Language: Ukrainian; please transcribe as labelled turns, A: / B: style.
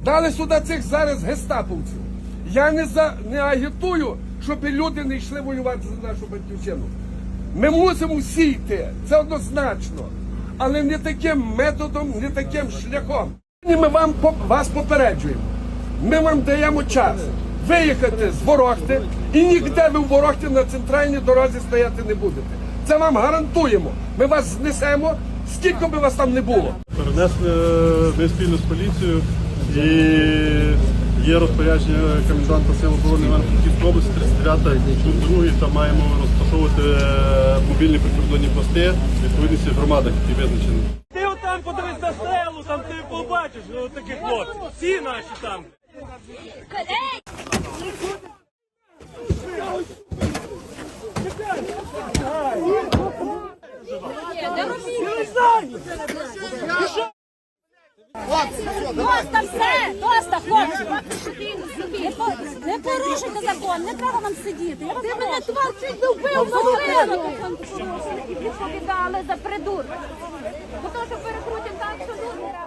A: Дали сюди цих зараз гестаповців. Я не агітую, щоб люди не йшли воювати за нашу батьківщину. Ми мусимо всі йти, це однозначно. Але не таким методом, не таким шляхом. Ми вас попереджуємо. Ми вам даємо час виїхати з Ворохти, і ніде ви в Ворохті на центральній дорозі стояти не будете. Це вам гарантуємо. Ми вас знесемо, скільки би вас там не було.
B: Перенесли ми спільно з поліцією, і є розпорядження коменданта Сил оборони Івано-Франківської області 39 пункт 2, там маємо розташовувати мобільні прикордонні пости в відповідності громадах, які визначені.
C: Ти отам подивись на стрелу, там ти побачиш таких хлопців. Всі наші там.
D: Доста все, доста, хлопці. Не порушуйте закон, не треба нам сидіти. Ти мене творчий вбив машину. Відповідали за придурок. Бо то, що перекрутимо так, що тут.